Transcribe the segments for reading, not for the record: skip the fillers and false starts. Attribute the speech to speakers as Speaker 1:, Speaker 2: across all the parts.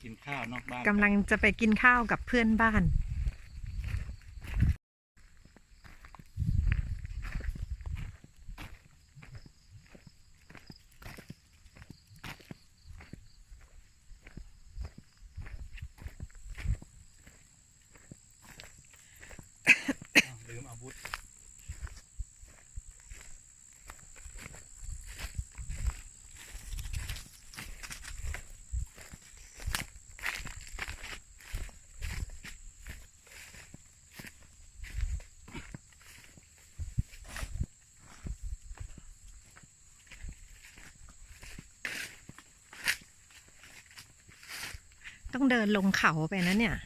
Speaker 1: กินข้าวนอกบ้าน
Speaker 2: กำลังจะไปกินข้าวกับเพื่อนบ้าน
Speaker 1: ลืมอาวุธ
Speaker 2: ต้องเดินลงเขาไปนะเนี่ย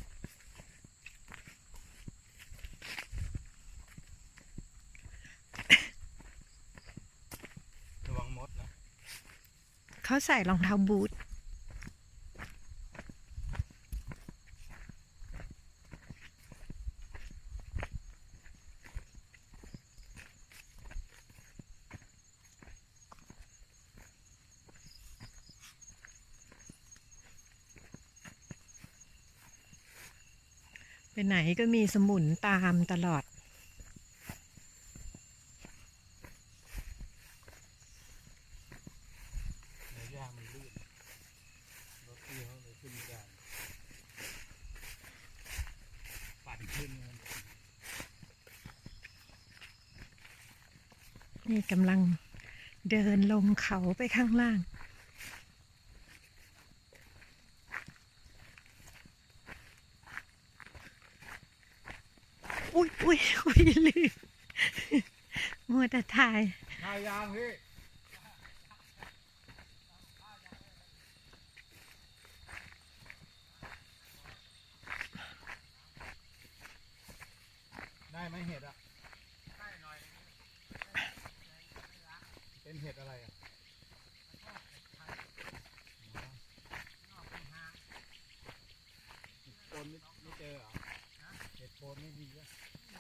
Speaker 1: ระวังมดนะ
Speaker 2: เขาใส่รองเท้าบูทไปไหนก็มีสมุนตามตลอด
Speaker 1: เนื้อย่างมันลื่นรถพี่เขาเลยขึ้นไม่ได้ปั่นขึ้นเงิน
Speaker 2: นี่กำลังเดินลงเขาไปข้างล่างอุ้ยลืมมัวแต่ถ่าย
Speaker 1: ข้าวยางพี่ได้ไหมเห็ดอ่ะได้หน่อยเป็นเห็ดอะไรอ่ะโคนไม่เจอเหรอเห็ดโคนไม่มีอ่ะ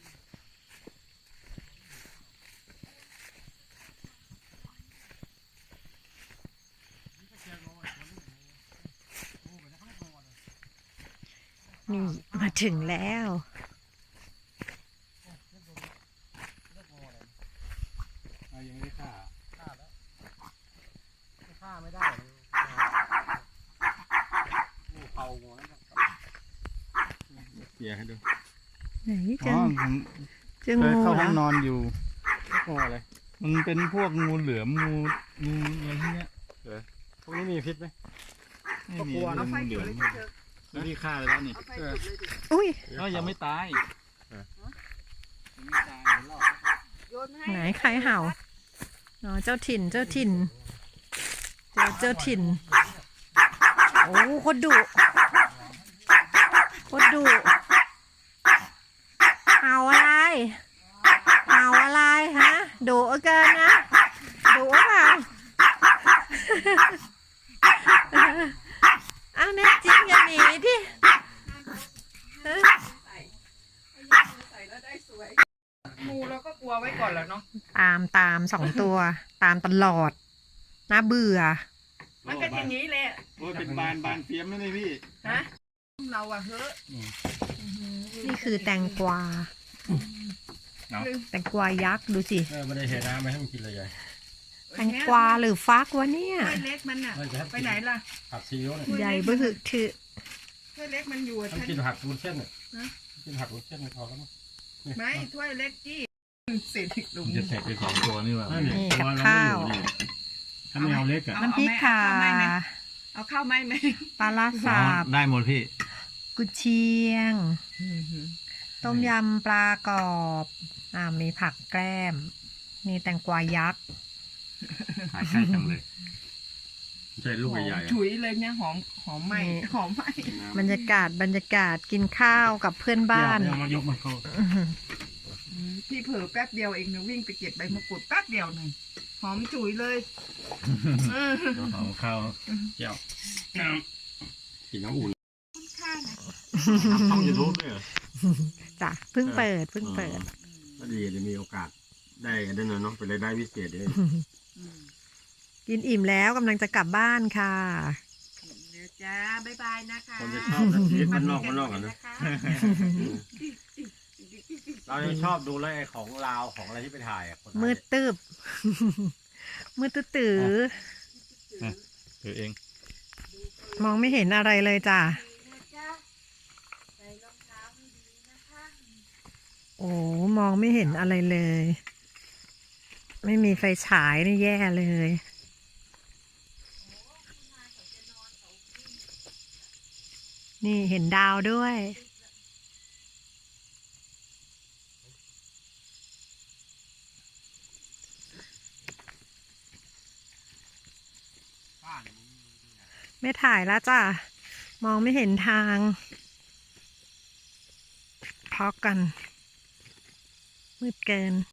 Speaker 2: นี่มาถึงแล้ว
Speaker 1: ยังไม่ฆ่าแล้วฆ่าไม่ได้งูเผาหัวเกี่ยให้ดู
Speaker 2: ไหน
Speaker 1: อ๋อผม
Speaker 2: เจอ
Speaker 1: เค
Speaker 2: งู
Speaker 1: ยเข้า
Speaker 2: เหร
Speaker 1: ห้
Speaker 2: อ
Speaker 1: องนอนอยู่งูอะไรมันเป็นพวกงูเหลือมงูอะไรที่เนี้ยพวกนี้มีพิษไหมไม่มีเป็นงูเหลือมแล้วที่ฆ่าไปแล้วนี่
Speaker 2: อุ้ย
Speaker 1: ก็ยังไม่ตายยังไม่ตายเดี๋ยวรอ
Speaker 2: ไหนใครเห่าอ๋อเจ้าถิ่นเจ้าถิ่นเจ้าถิ่นโอ้โคตรดุเห่าอะไรฮะดุเกินนะดุเปล่าอ้าวแน่จริงอย่าหนีดิ
Speaker 3: งูเราก็กลัวไว้ก่อนแล้วเนาะ
Speaker 2: ตาม2 ตัวตามตลอดน่าเบื่อ
Speaker 3: มันก็อย่างนี้แหละ
Speaker 1: โอ้ยเป็นบานเฟี้ยมไม่ได้พี่
Speaker 3: ฮะเราอะเฮ้อ
Speaker 2: นี่คือแตงกวาแตงกวายักษ์ดูสิ
Speaker 4: ไม่ได้เห็นน้ำไม่ให้มันกินเลยยาย
Speaker 2: แตงกวาหรือฟักวะเนี่ย
Speaker 3: ถ้วยเล็กมันอะไปไหนล่ะ
Speaker 4: ผักซีอิ๊วเนี่ย
Speaker 2: ใหญ่บึ้กถือ
Speaker 3: ถ้วยเล็กมันอยู่
Speaker 4: มันกินผักวุ้นเส้นเนี่ยกินผักวุ้นเส้นไม่พอแล้วมั้ง
Speaker 3: ไม่ถ้วยเล็กจี้เศษอีกหลุม
Speaker 1: จะเสร็จไป2 ตัวนี่ว่ะ
Speaker 2: นี่กับข้าว
Speaker 4: ถ้าไม่เอาเล็กอ่ะ
Speaker 2: น้ำพริกข่า
Speaker 3: เอาข้าวไหมไหม
Speaker 2: ปลาลาสาบ
Speaker 1: ได้หมดพี่
Speaker 2: กุเชียง ต้มยำปลากรอบมีผักแกล้มนี่แตงกวายักษ์
Speaker 1: หายใกล้จังเลย
Speaker 4: ใช่ลูกใหญ่ๆ
Speaker 3: ฉุยเลยเนี่ยหอมไหมหอมไหม
Speaker 2: บรรยากาศกินข้าวกับเพื่อนบ้าน
Speaker 4: เอามายกมันเข้า
Speaker 3: พี่เผลอแป๊บเดียวเองนะวิ่งไปเก็บใบมะกรูดแป๊บเดียวหนึ่งหอมฉุยเลย
Speaker 4: เอาข้าวเจียวกินน้ำอุ่น
Speaker 3: ข้านะ
Speaker 4: ทำยูทูบด้วยเหรอ
Speaker 2: จ้ะเพิ่งเปิด
Speaker 4: ก็ดีจะมีโอกาสได้ได้เนาะเป็นรายได้พิเศษเลย
Speaker 2: กินอิ่มแล้วกำลังจะกลับบ้านค่ะ
Speaker 3: เดี๋ยวจ้าบ๊ายบายนะคะ
Speaker 4: คนจะชอบนะชีวิตมันนอกกันนะ เราจะชอบดูแล้วไอ้ของลาวของอะไรที่ไปถ่ายคน
Speaker 2: มืดตึบ มืดตื้อ
Speaker 1: ถือเอง
Speaker 2: ๆมองไม่เห็นอะไรเลยจ้ะโอ้มองไม่เห็นอะไรเลย ไม่มีไฟฉายนี่แย่เลย นี่เห็นดาวด้วย ไม่ถ่ายแล้วจ้ะ มองไม่เห็นทางพอกัน มืดเกิน